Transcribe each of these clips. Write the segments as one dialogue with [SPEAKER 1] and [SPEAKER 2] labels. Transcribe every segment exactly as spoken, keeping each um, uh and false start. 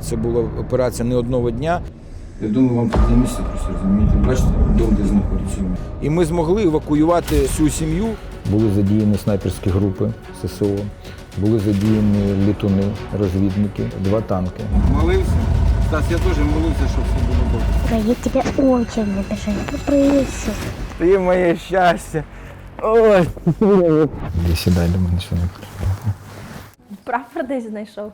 [SPEAKER 1] Це була операція не одного дня. Я думаю, вам тут не місце просто, розумієте. Бачите, дом, де знаходиться. І ми змогли евакуювати всю сім'ю. Були задіяні снайперські групи ССО, були задіяні літуни, розвідники, два танки. Молився? Стас, я теж молився, щоб все було добре.
[SPEAKER 2] Я тебе очень обижаю, попроси.
[SPEAKER 1] Ти моє щастя. Ой. Іди сідай до мене, що не
[SPEAKER 3] Прапор десь знайшов.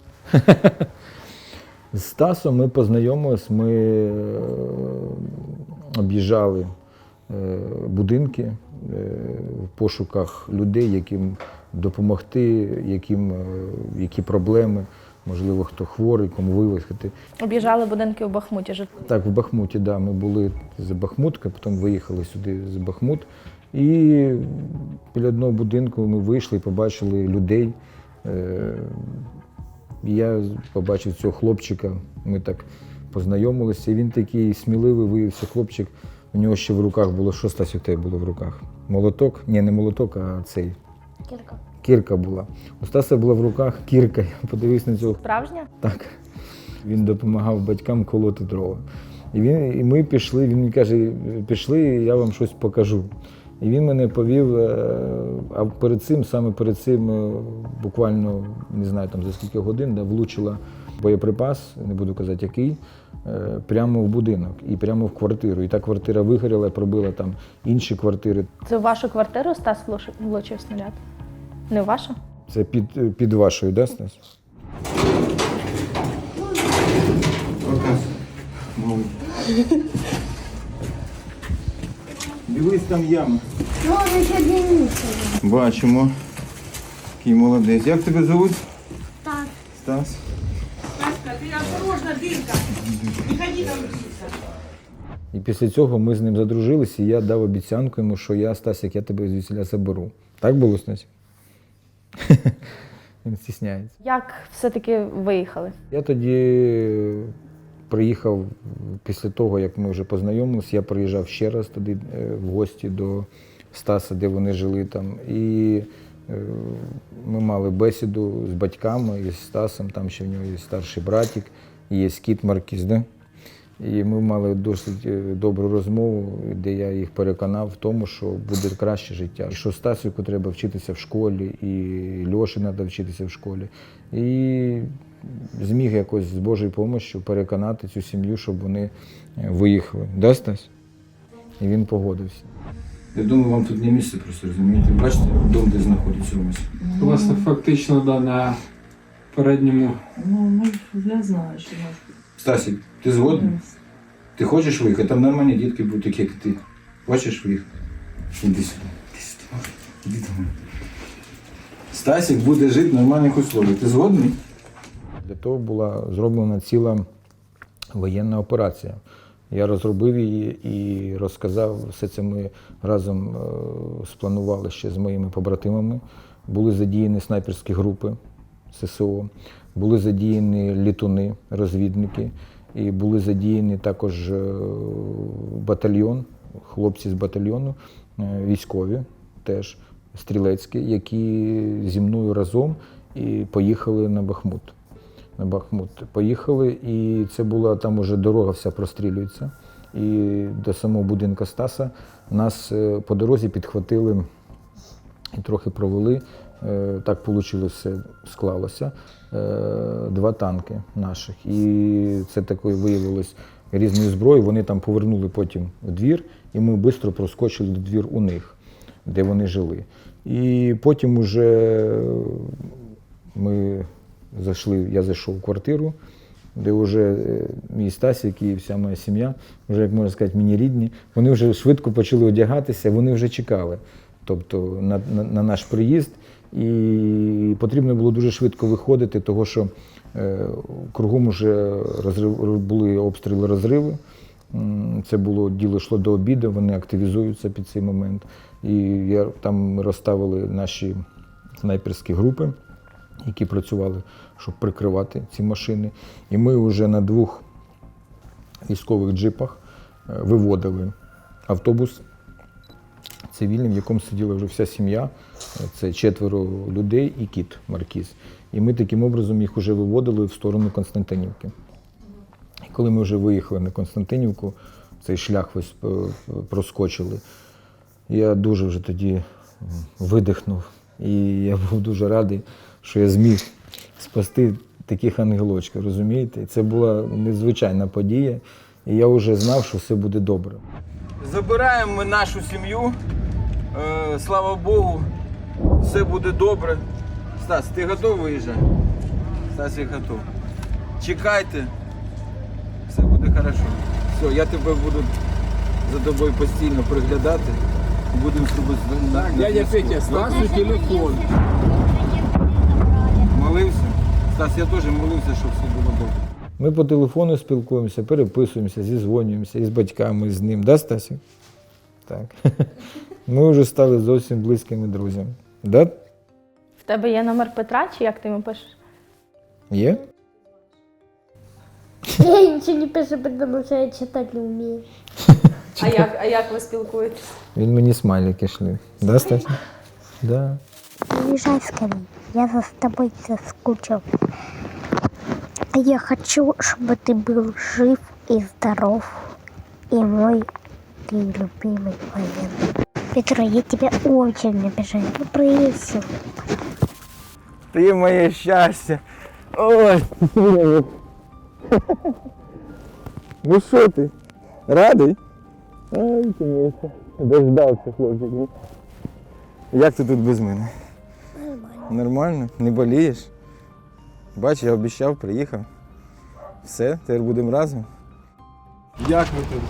[SPEAKER 1] З Стасом ми познайомились, ми е, об'їжджали е, будинки е, в пошуках людей, яким допомогти, яким, е, які проблеми, можливо, хто хворий, кому вивезти.
[SPEAKER 3] Об'їжджали будинки у Бахмуті. жит-
[SPEAKER 1] Так, в Бахмуті, да, ми були з Бахмутка, потім виїхали сюди з Бахмут. І біля одного будинку ми вийшли і побачили людей. Е, Я побачив цього хлопчика, ми так познайомилися. І він такий сміливий виявився хлопчик. У нього ще в руках було, що, Стасю, у тебе було в руках? Молоток? Ні, не молоток, а цей.
[SPEAKER 2] Кирка.
[SPEAKER 1] Кірка була. У Стаса була в руках кірка. Я подивився на цього.
[SPEAKER 3] Справжня?
[SPEAKER 1] Так. Він допомагав батькам колоти дрова. І, він, і ми пішли, він мені каже, пішли, я вам щось покажу. І він мене повів, а перед цим, саме перед цим, буквально, не знаю, там за скільки годин, да, влучила боєприпас, не буду казати який, прямо в будинок і прямо в квартиру. І та квартира вигоріла, пробила там інші квартири.
[SPEAKER 3] Це в вашу квартиру Стас влучив- влучив снаряд? Не в вашу?
[SPEAKER 1] Це під, під вашою, да, Стас? Дивись, там яма.
[SPEAKER 2] Можно еще длиннее.
[SPEAKER 1] Бачимо. Який молодець. Як тебе звуть?
[SPEAKER 2] Так.
[SPEAKER 1] Стас.
[SPEAKER 4] Ты осторожно, дырка. Не ходи там близко.
[SPEAKER 1] І після цього ми з ним задружилися, і я дав обіцянку йому, що я, Стасик, я тебе звідсіля заберу. Так було, Стасик? Він стісняється.
[SPEAKER 3] Як все-таки виїхали?
[SPEAKER 1] Я тоді приїхав після того, як ми вже познайомилися, я приїжджав ще раз туди е, в гості до Стаса, де вони жили там. І е, ми мали бесіду з батьками і з Стасом, там ще в нього є старший братик, і є кіт Маркіз, да? І ми мали досить е, добру розмову, де я їх переконав в тому, що буде краще життя. Що Стасику треба вчитися в школі, і Льоші треба вчитися в школі. І зміг якось з Божою допомогою переконати цю сім'ю, щоб вони виїхали. Да, Стась? І він погодився. Я думаю, вам тут не місце просто, розумієте? Бачите, дом, де знаходиться у вас.
[SPEAKER 5] У вас фактично да, на передньому.
[SPEAKER 4] Ну, может, я знаю, что может.
[SPEAKER 1] Стасик, ти згодний? Ти хочеш виїхати? Там нормальні дітки будуть, такі, як ти. Хочеш виїхати? Іди сюди. Іди сюди. Іди до мене. Стасик буде жити в нормальних условиях. Ти згодний? Для того була зроблена ціла воєнна операція. Я розробив її і розказав. Все це ми разом е, спланували ще з моїми побратимами. Були задіяні снайперські групи ССО, були задіяні літуни, розвідники, і були задіяні також е, батальйон, хлопці з батальйону, е, військові теж, стрілецькі, які зі мною разом і поїхали на Бахмут. На Бахмут поїхали, і це була, там уже дорога вся прострілюється. І до самого будинку Стаса нас е, по дорозі підхватили і трохи провели. Е, Так вийшло, все склалося. Е, Два танки наших. І це такою виявилось різною зброєю. Вони там повернули потім в двір, і ми швидко проскочили до двір у них, де вони жили. І потім уже ми зайшли, я зайшов в квартиру, де вже мій Стасик і вся моя сім'я, вже, як можна сказати, мені рідні, вони вже швидко почали одягатися, вони вже чекали, тобто на, на, на наш приїзд. І потрібно було дуже швидко виходити, тому що е, кругом вже розрив, були обстріли, розриви. Це було, діло йшло до обіду, вони активізуються під цей момент. І я, там ми розставили наші снайперські групи, які працювали, щоб прикривати ці машини. І ми вже на двох військових джипах виводили автобус. цивільним, в якому сиділа вже вся сім'я. Це четверо людей і кіт Маркіз. І ми таким образом їх вже виводили в сторону Константинівки. І коли ми вже виїхали на Константинівку, цей шлях весь проскочили, я дуже вже тоді видихнув. І я був дуже радий, що я зміг спасти таких ангелочків, розумієте? І це була незвичайна подія, і я вже знав, що все буде добре. Забираємо ми нашу сім'ю, е, слава Богу, все буде добре. Стас, ти готовий виїжджати? Стас, я готов. Чекайте, все буде хорошо. Все, я тебе буду за тобою постійно приглядати. Будемо зробити на, на
[SPEAKER 5] Дядя Петя, Стасу телефон.
[SPEAKER 1] Молився? Стас, я теж молився, щоб все було добре. Ми по телефону спілкуємося, переписуємося, зізвонюємося із батьками, з ним. Да, Стасі? Так. Ми вже стали зовсім близькими друзями. Да?
[SPEAKER 3] В тебе є номер Петра, чи як ти йому пишеш?
[SPEAKER 1] Є?
[SPEAKER 2] Я ничего не пишу, потому что я читать не умею.
[SPEAKER 3] А як, а як ви спілкуєтесь?
[SPEAKER 1] Він мені смайлики шлив. Да, Стасі? Да.
[SPEAKER 2] Приезжай скорее, я за тобой соскучил. Я хочу, чтобы ты был жив и здоров. И мой ты любимый военный. Петро, я тебя очень обижаю. Ну, прыси.
[SPEAKER 1] Ти моє щастя. Ой. Ну що ти? Радий? Ай, ти мій. Дождався, хлопчик. Як ти тут без мене?
[SPEAKER 2] Нормально.
[SPEAKER 1] Нормально? Не болієш? Бач, я обіцяв, приїхав. Все, тепер будемо разом.
[SPEAKER 5] Як ви тут?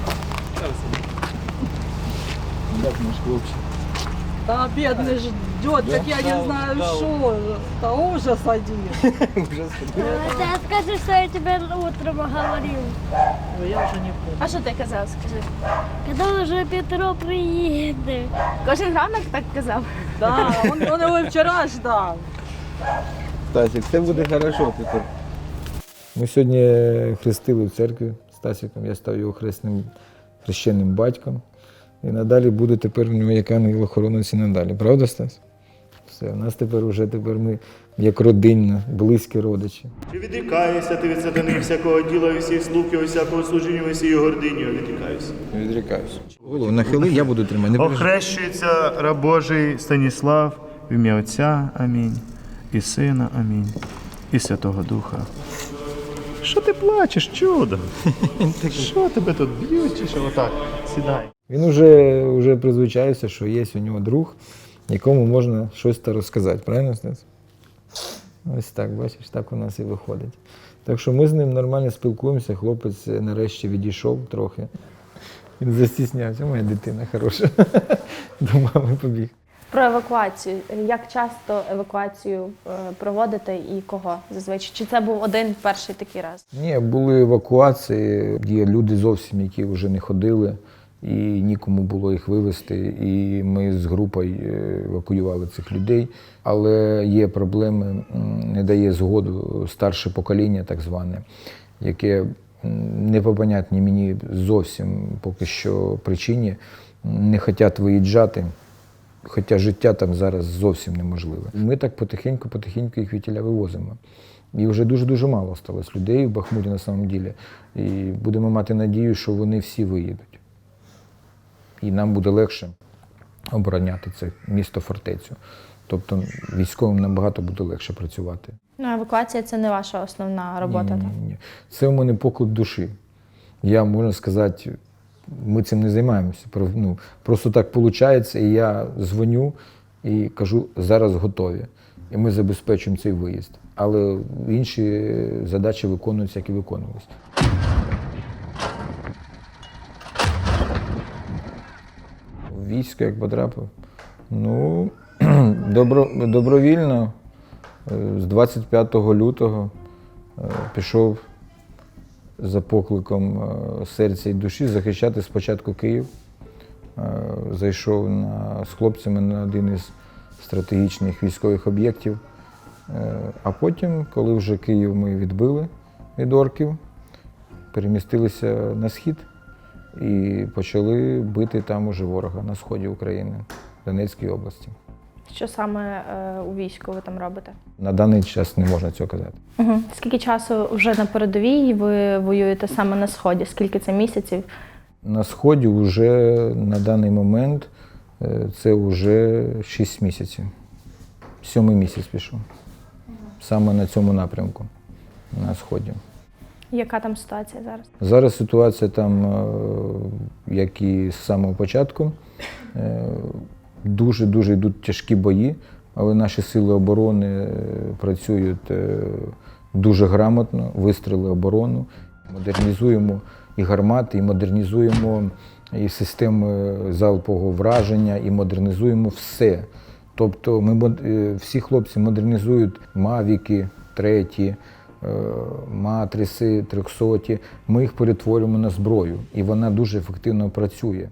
[SPEAKER 1] Як наш хлопчик?
[SPEAKER 4] Да, бедный ждет, так я не знаю, что. Да ужас один.
[SPEAKER 2] Ты скажи, что я тебе утром говорил.
[SPEAKER 4] Ой, я уже не помню.
[SPEAKER 3] А що ти казав, скажи?
[SPEAKER 2] Когда уже Петро приедет.
[SPEAKER 3] Кожен ранок так казав?
[SPEAKER 4] Да, он, он его и вчера ждал.
[SPEAKER 1] Стасик, все буде хорошо тепер. Ми сьогодні хрестили в церкві з Стасиком, я став його хресним, хрещеним батьком. І надалі буде тепер у нього як ангел-охоронець і надалі. Правда, Стас? Все, у нас тепер уже тепер ми як родинна, близькі родичі.
[SPEAKER 6] Чи відрікаєшся ти від сатани всякого діла, і всіх слуг, і всякого служіння, і всієї гордині? Відрікаюся.
[SPEAKER 1] Відрікаюся. Голову нахили, я буду тримати. Не переживай.
[SPEAKER 6] Охрещується раб Божий Станіслав в ім'я Отця, амінь, і Сина, амінь, і Святого Духа. Що ти плачеш, чудо? Що тебе тут б'ють, чи що? Отак, сідай.
[SPEAKER 1] Він вже, вже призвичається, що є у нього друг, якому можна щось та розказати. Правильно, Стас? Ось так, бачиш, так у нас і виходить. Так що ми з ним нормально спілкуємося, хлопець нарешті відійшов трохи. Він застіснявся, моя дитина хороша. До мами побіг.
[SPEAKER 3] Про евакуацію. Як часто евакуацію е, проводите і кого зазвичай? Чи це був один перший такий раз?
[SPEAKER 1] Ні, були евакуації, є люди зовсім, які вже не ходили, і нікому було їх вивезти, і ми з групою евакуювали цих людей. Але є проблеми, не дає згоду старше покоління, так зване, яке не по понятній мені зовсім поки що причині не хочуть виїжджати. Хоча життя там зараз зовсім неможливе. Ми так потихеньку-потихеньку їх вітіля вивозимо. І вже дуже-дуже мало сталося людей в Бахмуті на самом ділі. І будемо мати надію, що вони всі виїдуть. І нам буде легше обороняти це місто-фортецю. Тобто військовим набагато буде легше працювати.
[SPEAKER 3] Ну, евакуація – це не ваша основна робота,
[SPEAKER 1] ні,
[SPEAKER 3] так?
[SPEAKER 1] ні, ні. Це у мене поклик душі. Я, можна сказати, ми цим не займаємося. Ну, просто так виходить, і я дзвоню і кажу, зараз готові. І ми забезпечуємо цей виїзд. Але інші задачі виконуються, як і виконувалися. В військо як потрапив? Ну, добро, добровільно з двадцять п'ятого лютого пішов за покликом серця і душі захищати спочатку Київ. Зайшов на, з хлопцями на один із стратегічних військових об'єктів. А потім, коли вже Київ ми відбили від орків, перемістилися на схід і почали бити там уже ворога на сході України, в Донецькій області.
[SPEAKER 3] Що саме е, у війську ви там робите?
[SPEAKER 1] На даний час не можна цього казати.
[SPEAKER 3] Угу. Скільки часу вже на передовій ви воюєте саме на сході? Скільки це місяців?
[SPEAKER 1] На сході вже на даний момент е, це вже шість місяців. Сьомий місяць пішов. Саме на цьому напрямку, на сході.
[SPEAKER 3] Яка там ситуація зараз?
[SPEAKER 1] Зараз ситуація там, е, як і з самого початку, е, дуже-дуже йдуть тяжкі бої, але наші сили оборони е, працюють е, дуже грамотно, вистріли оборону, модернізуємо і гармати, і модернізуємо і системи залпового враження, і модернізуємо все. Тобто ми, мод- е, всі хлопці модернізують мавіки, треті, е, матриси, трьохсоті. Ми їх перетворюємо на зброю, і вона дуже ефективно працює.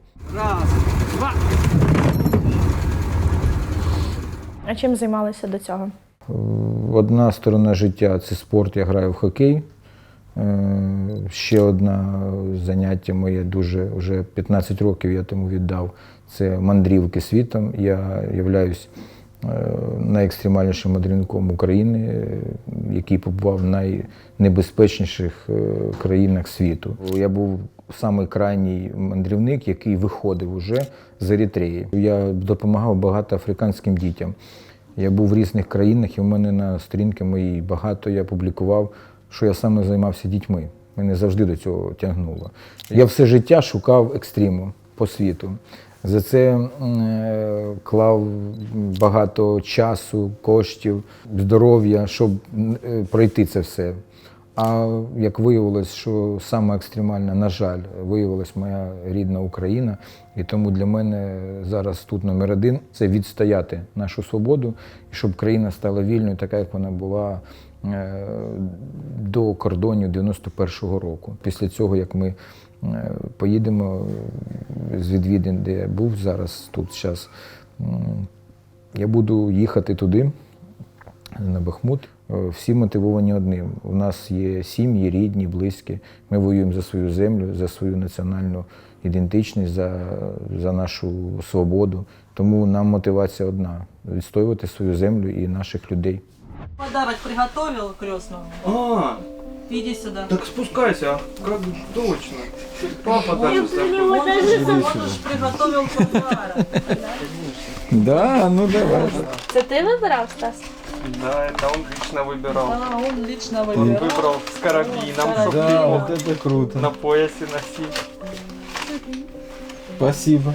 [SPEAKER 3] А чим займалися до цього?
[SPEAKER 1] Одна сторона життя – це спорт, я граю в хокей. Е, Ще одне заняття моє дуже, вже п'ятнадцять років я тому віддав, це мандрівки світом. Я являюсь е, найекстремальнішим мандрівником України, е, який побував в найнебезпечніших е, країнах світу. Я був самий крайній мандрівник, який виходив уже з Еритреї. Я допомагав багато африканським дітям. Я був в різних країнах, і в мене на сторінці моїй багато я публікував, що я саме займався дітьми. Мене завжди до цього тягнуло. Я все життя шукав екстриму по світу. За це е, клав багато часу, коштів, здоров'я, щоб е, пройти це все. А як виявилось, що саме екстремальна, на жаль, виявилась моя рідна Україна. І тому для мене зараз тут номер один – це відстояти нашу свободу, і щоб країна стала вільною, така, як вона була е, до кордонів дев'яносто першого року. Після цього, як ми е, поїдемо з відвідин, де я був зараз, тут зараз, е, я буду їхати туди, на Бахмут. Всі мотивовані одним. У нас є сім'ї, рідні, близькі. Ми воюємо за свою землю, за свою національну ідентичність, за, за нашу свободу. Тому нам мотивація одна – відстоювати свою землю і наших людей.
[SPEAKER 4] Подарок приготовил крестному.
[SPEAKER 7] А,
[SPEAKER 4] Иди сюда.
[SPEAKER 7] так спускайся, а как точно. Папа даже
[SPEAKER 4] Он же приготовил подарок.
[SPEAKER 1] Да, ну давай.
[SPEAKER 3] Це ти вибирав, Стас?
[SPEAKER 7] Да, это он лично выбирал.
[SPEAKER 4] Да, он лично
[SPEAKER 7] Он
[SPEAKER 4] выбирал.
[SPEAKER 7] выбрал с карабином,
[SPEAKER 4] Да,
[SPEAKER 7] чтобы
[SPEAKER 1] Да,
[SPEAKER 7] его
[SPEAKER 1] вот это круто.
[SPEAKER 7] на поясе носить.
[SPEAKER 1] Спасибо.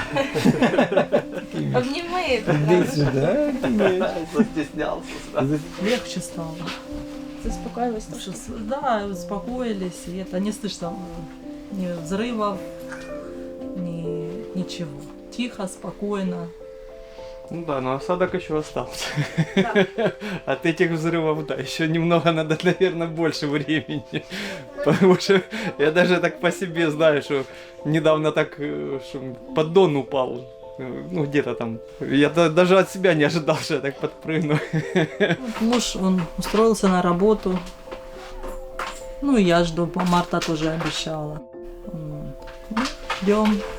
[SPEAKER 3] Обніми.
[SPEAKER 1] Иди сюда.
[SPEAKER 7] Застеснялся сразу.
[SPEAKER 4] Легче стало.
[SPEAKER 3] Заспокоїлись.
[SPEAKER 4] Потому что с- Да, успокоились, и это не слышно ни взрывов, ни ничего. Тихо, спокойно.
[SPEAKER 7] Ну да, но осадок еще остался. От этих взрывов, да, еще немного надо, наверное, больше времени. Потому что я даже так по себе знаю, что недавно так, э, что поддон упал. Э, Ну, где-то там. Я да- даже от себя не ожидал, что я так подпрыгну.
[SPEAKER 4] Вот муж, он устроился на работу. Ну и я жду, по марта тоже обещала. Вот. Ну, ждем.